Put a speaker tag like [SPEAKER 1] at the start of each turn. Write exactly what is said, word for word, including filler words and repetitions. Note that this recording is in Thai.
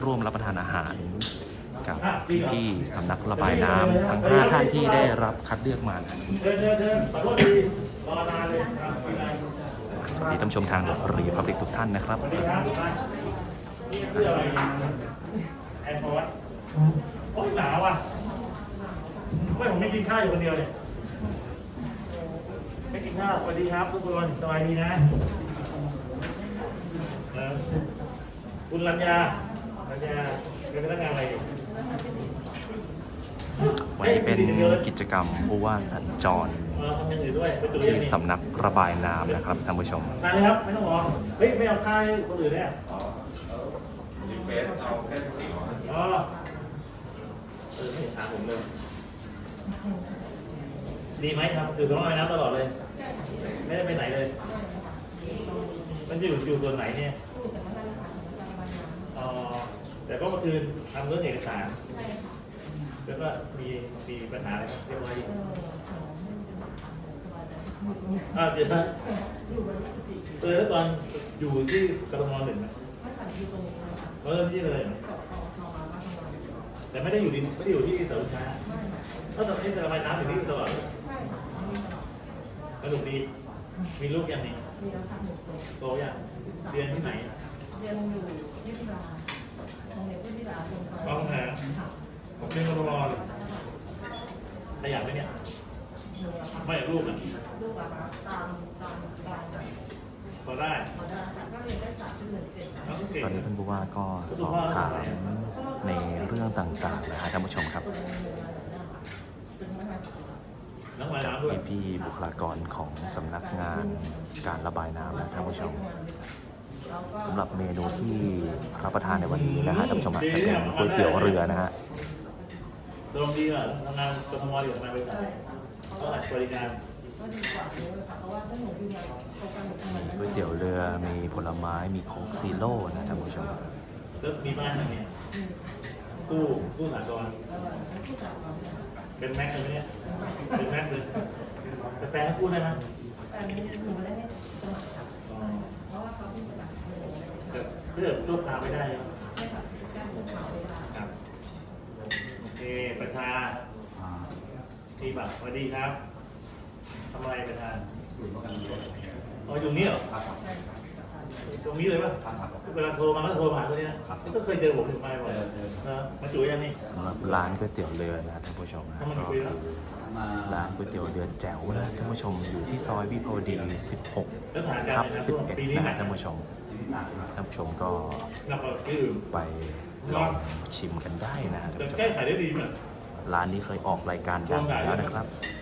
[SPEAKER 1] ร่วมรับประทานอาหารกับพี่ๆสำนักระบายน้ำทั้งห้าท่านที่ได้รับคัดเลือกมานะสวัสดีท่านผู้ชมทางรีพับลิกทุกท่านนะครับ
[SPEAKER 2] แอนพอดโอ้ยหนาวอ่ะไม่ผมไม่กินข้าวอยู่คนเดียวเนี่ยไม่กินข้าวสวัสดีครับทุกคนสบายดีนะคุณรัญญารัญญาเป็นพนักงานอะไรอยู่
[SPEAKER 1] วันนี้เป็นกิจกรรมผู้ว่าสัญจรที่สำนักระบายน้ำนะครับท่านผู้ชม
[SPEAKER 2] มาเลยครับไม่ต้องรอเฮ้ยไม่เอาข้าวให้คนอื่นเนี่ย
[SPEAKER 3] จิเฟสเอาแค่สี่ร้อย
[SPEAKER 2] อ๋อเออไม่ถามผมเลยดีไหมครับคือสำนักระบายน้ำตลอดเลยไม่ได้ไปไหนเลยมันอยู่อยู่ส่วนไหนเนี่ยอ๋อแต่ก็เมื่อคืนทำเรื่องเอกสารแล้วก็มีมีปัญหาอะไรเรียบร้อยดีอ้าวเดี๋ยวนะเออแล้วตอนอยู่ที่กทมหนึ่งไหมเออที่เลยแต่ไม่ได้อยู่ดิไม่ได้อยู่ที่สระช้าถ้าตอนนี้จะระบายน้ำอยู่ที่ตลอดสนุกดีมีลูกยังนี่โตยังเรียนที่ไหน
[SPEAKER 4] เรียนอยู่ที่จุฬาโรงเรียนที่จุฬาลงไป
[SPEAKER 2] ต้องหาผมเป็นกทมขยันไหมเนี่ยไม่ลูกอ่ะ
[SPEAKER 4] ลูกอะตามตามตาม
[SPEAKER 2] พอได้
[SPEAKER 4] พอได้ก็เรียนได้สามที่หนึ่งเจ็ด
[SPEAKER 1] ตอนนี้ท่านผู้ว่าก็สอบถามในเรื่องต่างๆนะฮะท่านผู้ชมครับพี่ๆบุคลากรของสำนักงานการระบายน้ำนะท่านผู้ชมสำหรับเมนูที่รับประทานในวันนี้นะฮะท่านผู้ชมจะเป็นก๋วยเตี๋ยวเรือนะฮะ
[SPEAKER 2] ตรงดีอ่ะทำงานกทมอยู่ทำงานบริษัทก็บริการ
[SPEAKER 1] ก๋วยเตี๋ยวเรือมีผลไม้มีโค้กซีโร่นะท่านผู้ชม
[SPEAKER 2] แล้วมีบ้านอะไรเนี่ยตู้ตู้สากลเป็นแม็กเลยไหมเนี่ยเป็นแม็กเลยแต่แฟนพูดได้ไหม
[SPEAKER 4] แฟนหนูไม่ได้สมัครค่ะเพราะว่าเขาที่สมัคร
[SPEAKER 2] เลือกลูกค้าไม่ได้
[SPEAKER 4] ใช่ค่ะแก้ลูกค้าไม่ได้
[SPEAKER 2] ครับโอเคประธานที่บัตรสวัสดีครับทำอะไรประธานอ๋ออยู่นี่เหรอตรงนี้เลยป่ะเวลาโทรมาก็โทรมาตัวนี้นะก็เคยเจอผมถึงไปบ่อยมาจุ๋ยยังนี่
[SPEAKER 1] สำหรับร้านก๋วยเตี๋ยวเรือนะท่านผู้ชมนะก็คือร้านก๋วยเตี๋ยวเรือแจ๋วนะท่านผู้ชมอยู่ที่ซอยวิภาวดีสิบหกทับสิบเอ็ดนะฮะท่านผู้ชมท่านผู้ชมก็ไปลองชิมกันได้นะฮะท่านผู้ชม
[SPEAKER 2] แก้ไขได้ดีมั้ย
[SPEAKER 1] ร้านนี้เคยออกรายการดังแล้วนะครับ